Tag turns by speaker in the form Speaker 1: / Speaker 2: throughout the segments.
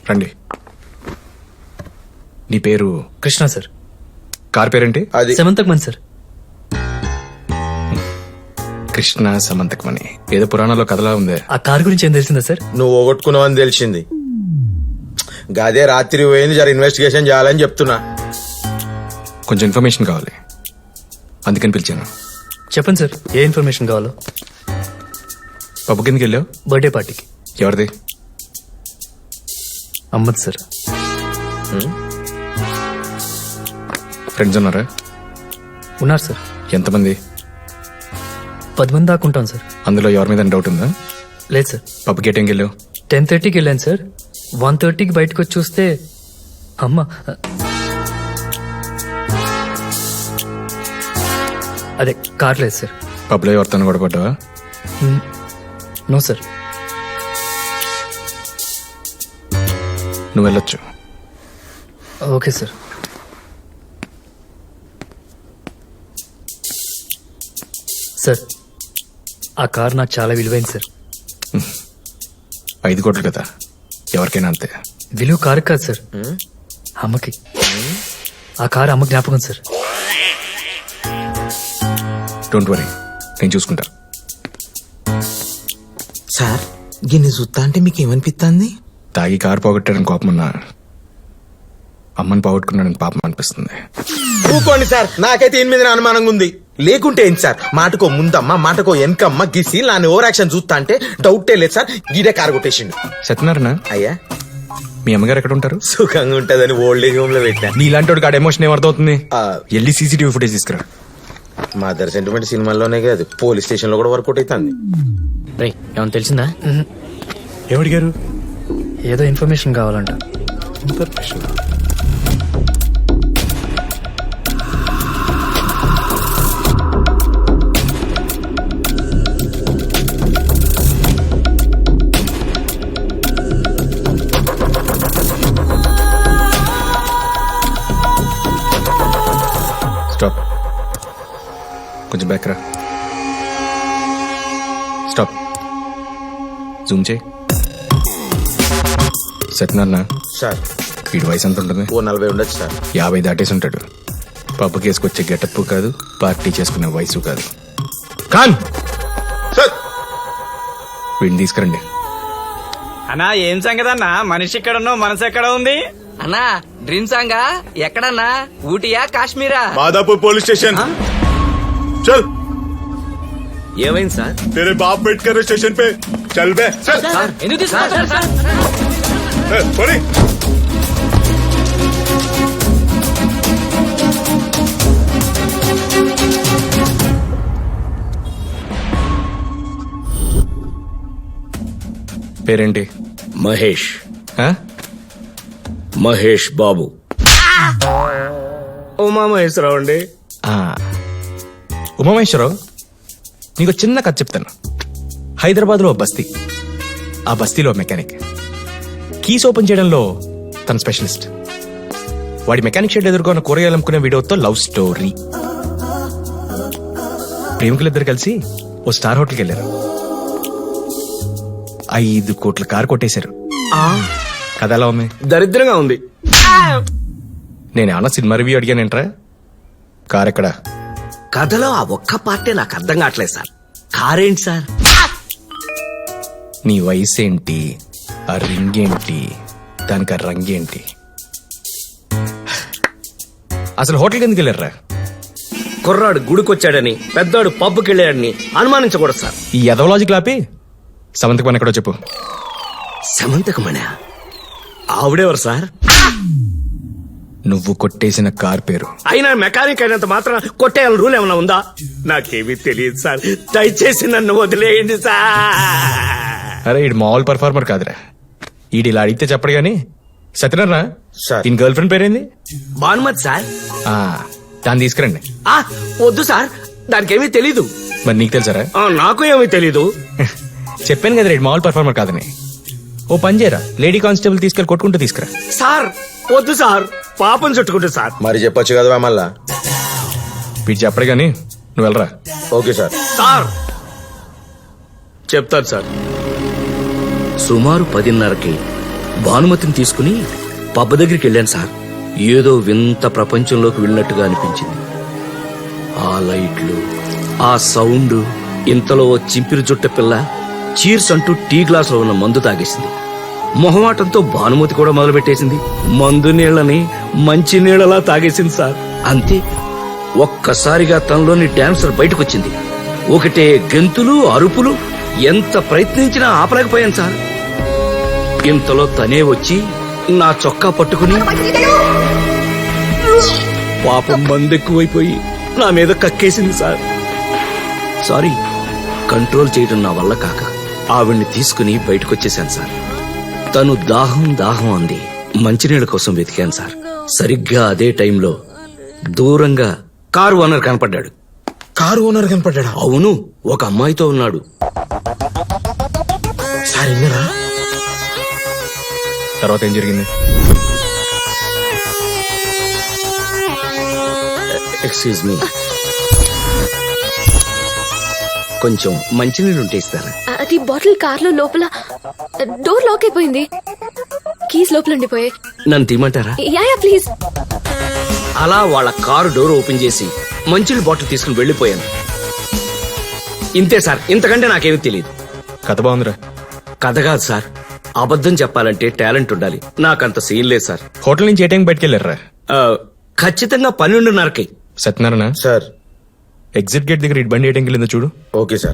Speaker 1: రండి. నీ పేరు?
Speaker 2: కృష్ణ సార్.
Speaker 1: కార్ పేరేంటి?
Speaker 3: అది
Speaker 2: సెమంతకమన్ సార్.
Speaker 1: కృష్ణ సమంతకమణి. ఏదో పురాణంలో కథలా ఉంది.
Speaker 2: ఆ కార్ గురించి ఏం తెలిసిందా సార్?
Speaker 3: నువ్వు పోగొట్టుకున్నావని తెలిసింది. గదే రాత్రి పోయింది, జర ఇన్వెస్టిగేషన్ చేయాలని చెప్తున్నా.
Speaker 1: కొంచెం ఇన్ఫర్మేషన్ కావాలి, అందుకని పిలిచాను.
Speaker 2: చెప్పండి సార్, ఏ ఇన్ఫర్మేషన్ కావాలో.
Speaker 1: పప్పు కిందకి వెళ్ళావు?
Speaker 2: బర్త్డే పార్టీకి.
Speaker 1: ఎవరిది?
Speaker 2: అమ్మద్ సార్.
Speaker 1: ఫ్రెండ్స్ ఉన్నారా?
Speaker 2: ఉన్నారు సార్.
Speaker 1: ఎంతమంది?
Speaker 2: 10 మంది దాకా ఉంటాం సార్.
Speaker 1: అందులో ఎవరి మీద డౌట్ ఉందా?
Speaker 2: లేదు సార్.
Speaker 1: పప్పు గేట్ ఏం వెళ్ళావు?
Speaker 2: 10:30కి వెళ్ళాను సార్. 1:30కి బయటకు వచ్చి చూస్తే అమ్మ అదే కార్ లేదు సార్.
Speaker 1: పబ్లో ఎవరితో కూడా పడ్డావా?
Speaker 2: No sir.
Speaker 1: నువ్వు వెళ్ళొచ్చు.
Speaker 2: Okay sir. సార్, ఆ కార్ నాకు చాలా విలువైంది సార్.
Speaker 1: 5 కోట్లు కదా, ఎవరికైనా అంతే.
Speaker 2: విలువ కారు కాదు సార్, అమ్మకి. ఆ కారు అమ్మ జ్ఞాపకం సార్.
Speaker 1: డోంట్ వరీ, నేను చూసుకుంటా.
Speaker 4: సార్, గిన్నె చూస్తా అంటే మీకు ఏమనిపిస్తుంది?
Speaker 1: తాగి కారు పోగొట్టాడని కోపం ఉన్నా, అమ్మని పోగొట్టుకున్నాడని పాపం అనిపిస్తుంది.
Speaker 3: ఊకోండి సార్, నాకైతే 8 మీద అనుమానంగా ఉంది. లేకుంటే ఏంటి సార్, మాటకో ముందమ్మ మాటకో వెనకమ్మ గిసి నాని ఓవర్ యాక్షన్ చూస్తా అంటే డౌటే లేదు సార్. గీడే కారు కొట్టేసిండు.
Speaker 1: సత్యనారాయణ,
Speaker 3: అయ్యా
Speaker 1: మీ అమ్మగారు ఎక్కడ ఉంటారు?
Speaker 3: సుఖంగా ఉంటదని ఓల్డ్ ఏజ్ హోమ్ లో పెట్టా.
Speaker 1: నీలాంటి వాడికి ఆడ ఎమోషన్ ఏమర్థమవుతుంది? వెళ్ళి సీసీటీవీ ఫుటేజ్ తీసుకురా.
Speaker 3: మదర్ సెంటిమెంట్ సినిమాల్లోనే కాదు, పోలీస్ స్టేషన్ లో కూడా వర్కౌట్ అవుతుంది.
Speaker 2: ఏమన్నా తెలిసిందా?
Speaker 1: ఎవడిగారు?
Speaker 2: ఏదో ఇన్ఫర్మేషన్ కావాలంట.
Speaker 1: స్టాప్, కొంచెం బ్యాక్ రా. స్టాప్, జూమ్ చేయి. సత్యనారాయణ,
Speaker 3: సార్
Speaker 1: వీడి వయసు ఎంత ఉంటుంది?
Speaker 3: ఓ 40 ఉండొచ్చు సార్.
Speaker 1: 50 దాటేసి ఉంటాడు. పబ్బు కేసుకొచ్చే గెటప్ కాదు, పార్టీ చేసుకునే వయసు కాదు. ఖాన్,
Speaker 3: సార్
Speaker 1: వీడిని తీసుకురండి.
Speaker 5: అన్నా ఏం సంగతి అన్నా, మనిషి ఎక్కడున్నో మనసు ఎక్కడ ఉంది?
Speaker 6: అన్నా డ్రీమ్ సాంగా ఎక్కడన్నా? ఊటీయా కాశ్మీరా?
Speaker 7: माधापुर पुलिस स्टेशन चल।
Speaker 6: ఏమైంది సార్?
Speaker 7: तेरे बाप वेट कर रहे स्टेशन पे, चल बे चल।
Speaker 6: సార్ ఎందుకు తీసుకున్నారు సార్?
Speaker 7: बोली
Speaker 1: పేరేంటి?
Speaker 8: మహేష్
Speaker 1: ఆ?
Speaker 8: మహేష్ బాబు.
Speaker 3: ఉమామహేశ్వరరావు అండి.
Speaker 1: ఆ. ఉమామేశ్వరరావు, నీకు చిన్న కథ చెప్తాను. హైదరాబాద్ లో బస్తీ, ఆ బస్తీలో మెకానిక్. కీస్ ఓపెన్ చేయడంలో తన స్పెషలిస్ట్. వాడి మెకానిక్ షెడ్ ఎదుర్కొన్న కూరగాయలు అమ్ముకునే వీడియోతో లవ్ స్టోరీ. ప్రేమికులిద్దరు కలిసి ఓ స్టార్ హోటల్కి వెళ్ళారు. 5 కోట్ల కారు కొట్టేశారు. కథ ఎలా ఉంది?
Speaker 3: దరిద్రంగా ఉంది.
Speaker 1: నేనేమన్నా సినిమా రివ్యూ అడిగానేంట్రా? కార్ ఎక్కడా?
Speaker 8: కథలో ఆ ఒక్క పార్టీ నాకు అర్థం కావట్లేదు సార్. కారేంటి సార్?
Speaker 1: నీ వయసు ఏంటి, ఆ రింగ్ ఏంటి, దానికి ఆ రంగేంటి? అసలు హోటల్కి ఎందుకు వెళ్ళారా?
Speaker 8: కుర్రాడు గుడికొచ్చాడని, పెద్దోడు పబ్బుకి వెళ్ళాడని అనుమానించకూడదు సార్.
Speaker 1: ఈ ఎదవలాజిక్ లాపి సమంతకు పని ఎక్కడో చెప్పు.
Speaker 8: సమంతకమణి ఆవిడెవరు సార్?
Speaker 1: నువ్వు కొట్టేసిన కార్ పేరు.
Speaker 8: అయినా మెకానిక్ అయినంత మాత్రం కొట్టేయాలని రూల్ ఏమైనా ఉందా? నాకేమీ తెలియదు సార్, దయచేసి నన్ను వదిలేయండి సార్.
Speaker 1: అరే, ఈడు మామూలు పర్ఫార్మర్ కాదురా. ఈడు ఇలా అడిగితే చెప్పడు గాని. సత్యనారాయణ,
Speaker 3: సార్.
Speaker 1: దీని గర్ల్ ఫ్రెండ్ పేరేంది?
Speaker 8: భానుమతి సార్.
Speaker 1: ఆ, దాన్ని తీసుకురండి.
Speaker 8: వద్దు సార్, దానికేమీ తెలీదు.
Speaker 1: మరి నీకు తెలుసారా?
Speaker 8: నాకు ఏమీ తెలీదు.
Speaker 1: చెప్పాను కదా రేడు మామూలు పర్ఫార్మర్ కాదని. ఓ పని చేయరా, లేడీ కానిస్టేబుల్ తీసుకెళ్ళి కొట్టుకుంటూ తీసుకురా.
Speaker 8: సార్ వద్దు సార్, పాపం చుట్టుకుంటు సార్.
Speaker 3: మరి చెప్పొచ్చు కదా మళ్ళా.
Speaker 1: వీడు చెప్పడు గాని నువ్వు వెళ్ళరా.
Speaker 3: Okay sir.
Speaker 8: సార్ చెప్తాను సార్. సుమారు 10:30కి భానుమతిని తీసుకుని పబ్బ దగ్గరికి వెళ్ళాను సార్. ఏదో వింత ప్రపంచంలోకి వెళ్ళినట్టుగా అనిపించింది. ఆ లైట్లు, ఆ సౌండ్. ఇంతలో ఓ చింపిరి జుట్ట పిల్ల చీర్స్ అంటూ టీ గ్లాసులో ఉన్న మందు తాగేసింది. మొహమాటంతో భానుమతి కూడా మొదలుపెట్టేసింది. మందు నీళ్ళని మంచి నీళ్ళలా తాగేసింది సార్. అంతే, ఒక్కసారిగా తనలోని డాన్సర్ బయటకొచ్చింది. ఒకటే గెంతులు, అరుపులు. ఎంత ప్రయత్నించినా ఆపలేకపోయాను సార్. ఇంతలో తనే వచ్చి నా చొక్కా పట్టుకుని పాపం మందెక్కువైపోయి నా మీద కక్కేసింది సార్. సారీ, కంట్రోల్ చేయడం నా వల్ల కాక ఆవిడ్ని తీసుకుని బయటకొచ్చేశాను సార్. తను దాహం దాహం అంది. మంచినీళ్ళ కోసం వెతికాను సార్. సరిగ్గా అదే టైంలో దూరంగా కారు ఓనర్ కనపడ్డాడు.
Speaker 3: కారు ఓనర్ కనపడ్డా?
Speaker 8: అవును, ఒక అమ్మాయితో ఉన్నాడు.
Speaker 3: సార్ విన్నారా?
Speaker 1: తర్వాత ఏం జరిగింది?
Speaker 8: ఎక్స్క్యూజ్ మీ, కొంచెం మంచినీళ్ళు ఉంటే ఇస్తారా?
Speaker 9: అది బాటిల్ కార్లో లోపల డోర్ లాక్ అయిపోయింది. కీస్ లోపల ఉండిపోయాయి.
Speaker 8: నన్ను తీయమంటారా?
Speaker 9: Yeah please.
Speaker 8: అలా వాళ్ళ కారు డోర్ ఓపెన్ చేసి మంచినీళ్ళ బాటిల్ తీసుకుని వెళ్లిపోయాను. ఇంతే సార్, ఇంతకంటే నాకేమీ తెలియదు.
Speaker 1: కథ బాగుందిరా.
Speaker 8: కథ కాదు సార్, అబద్ధం చెప్పాలంటే టాలెంట్ ఉండాలి. నాకంత సీన్ లేదు సార్.
Speaker 1: హోటల్ నుంచి ఏ టైం బయటకు వెళ్ళారా?
Speaker 8: ఖచ్చితంగా 12:30కి.
Speaker 1: సత్యనారాయణ,
Speaker 3: సార్.
Speaker 1: ఎగ్జిట్ గేట్ దగ్గర ఇటు బండి ఏ టైంకి వెళ్ళిందో చూడు.
Speaker 3: Okay sir.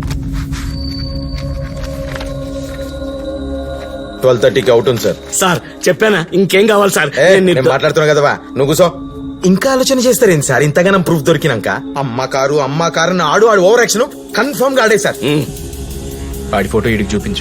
Speaker 3: 12:30కి అవుట్ ఉంది సార్.
Speaker 8: సార్ చెప్పానా, ఇంకేం కావాలి సార్?
Speaker 3: నేను మాట్లాడుతున్నా కదవా, నువ్వు కూసో. ఇంకా ఆలోచన చేస్తారేంటి సార్? ఇంతగానం ప్రూఫ్ దొరికినాక అమ్మ కారు ఆడు ఓవర్ యాక్షన్ కన్ఫర్మ్ గా ఆడే సార్.
Speaker 1: ఆడి ఫోటో ఇడికి చూపించు.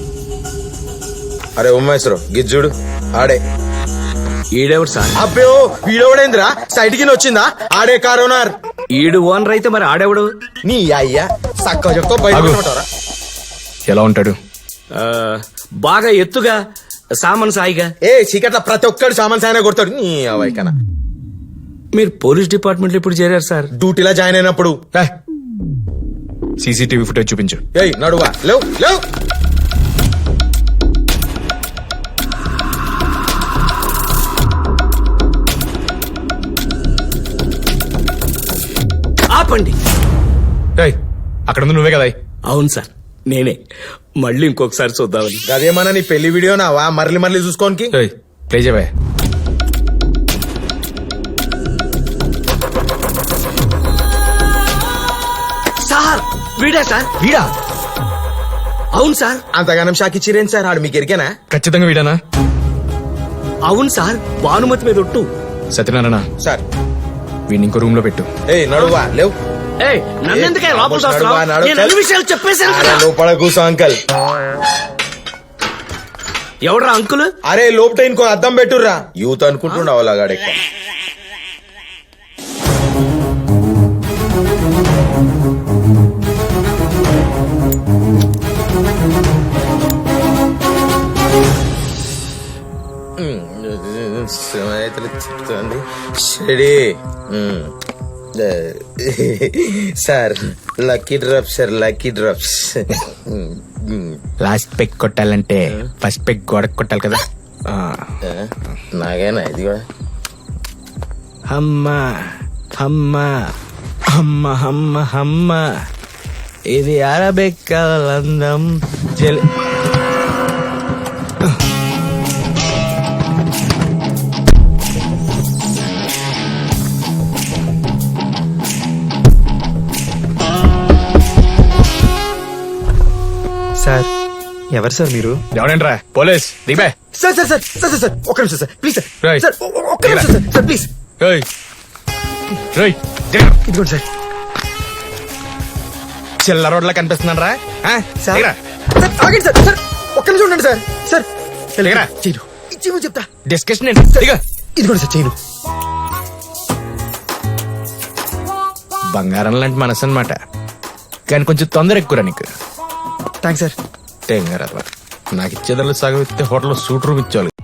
Speaker 3: అరే ఉమ్మేశ్వరం గిజ్జుడు ఆడే.
Speaker 8: ఈడెవడు సార్?
Speaker 3: అబ్బో వీడోడేంద్రా, సైడ్ కి వచ్చిందా? ఆడే కారు ఓనర్.
Speaker 8: ఈడు ఓనర్ అయితే మరి ఆడెవడు?
Speaker 3: నీ అయ్యా సక్క చెప్తా బయట
Speaker 1: ఆగు.
Speaker 3: ఉంటారా?
Speaker 1: ఎలా ఉంటాడు?
Speaker 8: బాగా ఎత్తుగా, సామాన్ సాయిగా.
Speaker 3: చీకట్ల ప్రతి ఒక్కడు సామాన్ సాయన కొడతాడు. నీ అవైకనా.
Speaker 8: మీరు పోలీస్ డిపార్ట్మెంట్ లో ఇప్పుడు చేరారు సార్?
Speaker 3: డ్యూటీలో జాయిన్ అయినప్పుడు.
Speaker 1: సీసీటీవీ ఫుటేజ్ చూపించు.
Speaker 3: ఏయ్ నడువా, లేవు లేవు.
Speaker 8: ఆపండి.
Speaker 1: ఏయ్, అక్కడ ఉంది నువ్వే కదా?
Speaker 8: అవును సార్, నేనే. మళ్ళీ ఇంకొకసారి చూద్దామని.
Speaker 3: అదేమన్నా నీ పెళ్లి వీడియో నావా మరలి మరలి చూసుకోనికి?
Speaker 1: ఏయ్, ప్లే చేయవా.
Speaker 8: సార్ వీడా సార్?
Speaker 1: వీడా?
Speaker 8: అవును సార్.
Speaker 3: అంతగానం షాక్ ఇచ్చిరేం సార్? ఆడు మీకు ఎరికేనా?
Speaker 1: ఖచ్చితంగా వీడానా?
Speaker 8: అవును సార్, భానుమతి మీద ఒట్టు.
Speaker 1: సత్యనారాయణ,
Speaker 3: సార్
Speaker 1: వీడిని ఇంకో రూమ్ లో పెట్టు.
Speaker 3: ఏయ్ నడువా, లేవు.
Speaker 8: నన్నెందుకే లోపల
Speaker 3: నడువా,
Speaker 8: తోస్తున్నావ్?
Speaker 3: నడు.
Speaker 8: నేను అన్ని విషయాలు చెప్పేశాను
Speaker 3: అరే
Speaker 8: కదా.
Speaker 3: లోపల కూసో అంకల్.
Speaker 8: ఎవడ్రా అంకుల్?
Speaker 3: అరే లోపట ఇంకో అద్దం పెట్టుర్రా. యూత్ అనుకుంటుండవు అలాగాడే. చెప్తుంది sir. Lucky drops sir, lucky drops.
Speaker 1: Last peg కొట్టాలంటే ఫస్ట్ పెగ్ గోడకు కొట్టాలి కదా.
Speaker 3: నాగేనా ఇది కూడా?
Speaker 1: అమ్మా అమ్మా అమ్మ అమ్మ అమ్మ, ఇది అరబెక్కలందం జల్.
Speaker 4: సార్ ఎవరు సార్ మీరు?
Speaker 1: ఎవడంట్రా? పోలీస్ దిగే.
Speaker 3: Sir sir sir sir sir ఒక్క నిమిషం sir please sir.
Speaker 1: Right.
Speaker 3: Sir ఒక్క నిమిషం సార్, సార్ ప్లీజ్.
Speaker 1: ఏయ్, ఏయ్,
Speaker 3: ఇదిగోండి సార్.
Speaker 1: చిల్లర రోడ్లా కనిపిస్తున్నాను రా.
Speaker 3: సార్ సార్ ఆగండి సార్. సార్ ఒక్క నిమిషం ఉండండి సార్. సార్
Speaker 1: దిగరా.
Speaker 3: చేయను ఇచ్చి చెప్తా.
Speaker 1: డిస్కషన్ ఏంటి? దిగ.
Speaker 3: ఇదిగోండి సార్ చేయను.
Speaker 1: బంగారం లాంటి మనసు అన్నమాట, కానీ కొంచెం తొందర ఎక్కువరా నీకు.
Speaker 3: Thanks sir.
Speaker 1: నాకు ఇచ్చేదాన్ని సగం ఇస్తే హోటల్లో సూట్ రూమ్ ఇచ్చేవాళ్ళు.